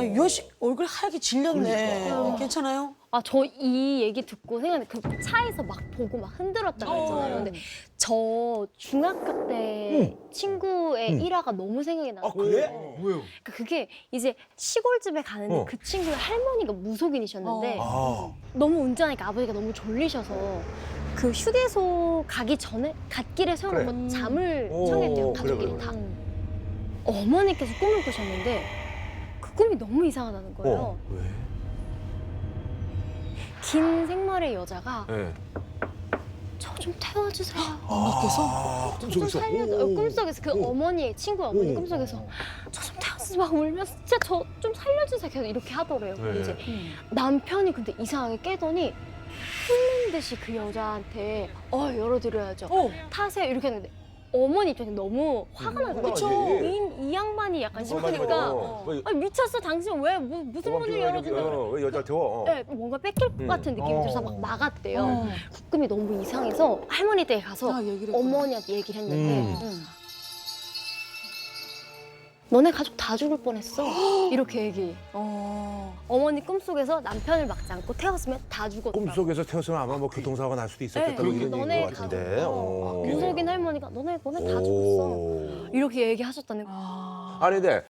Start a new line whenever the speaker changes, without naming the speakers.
유아 씨 얼굴 하얗게 질렸네.
그러니까.
괜찮아요?
아, 저 이 얘기 듣고 생각나는 그 차에서 막 보고 막 흔들었다고 했잖아요. 근데 저 중학교 때 친구의 일화가 너무 생각이 나요.
아 그래? 뭐예요?
그러니까 그게 이제 시골집에 가는데
어.
그 친구의 할머니가 무속인이셨는데
아.
너무 운전하니까 아버지가 너무 졸리셔서 그 휴게소 가기 전에 갓길에 세워놓고 잠을
오,
청했대요.
그래,
가족끼리
그래,
다. 어머니께서 꿈을 꾸셨는데 그 꿈이 너무 이상하다는 거예요.
왜?
긴 생머리의 여자가
네.
저 좀 태워주세요.
아,
좀
꿈속에서.
살려줘.
오.
꿈속에서 그 어머니의 친구 어머니
오.
꿈속에서 저 좀 태워주세요. 막 울면서 진짜 저 좀 살려주세요. 계속 이렇게 하더래요. 근데
네.
이제 남편이 근데 이상하게 깨더니 훑는 듯이 그 여자한테 열어드려야죠. 타세요. 이렇게 했는데 어머니 입장에 너무 화가 나서
그쵸.
이 양반이 약간
맞아,
싶으니까
맞아.
아니, 미쳤어. 당신 왜 무슨 문을 열어준다고 그래.
왜 여자 태워?
네, 뭔가 뺏길 것 같은 느낌이 들어서 막 막았대요. 국금이 너무 이상해서 할머니 댁에 가서 어머니한테 얘기를 했는데 너네 가족 다 죽을 뻔했어. 이렇게 얘기. 어머니 꿈속에서 남편을 막지 않고 태웠으면 다 죽었다고.
꿈속에서 태웠으면 아마 뭐 교통사고가 날 수도 있었겠다.
네,
뭐 이런
너네
얘기인 것 같은데.
무속인 할머니가 너네 다 죽었어. 이렇게 얘기하셨다는 거.
아니 근데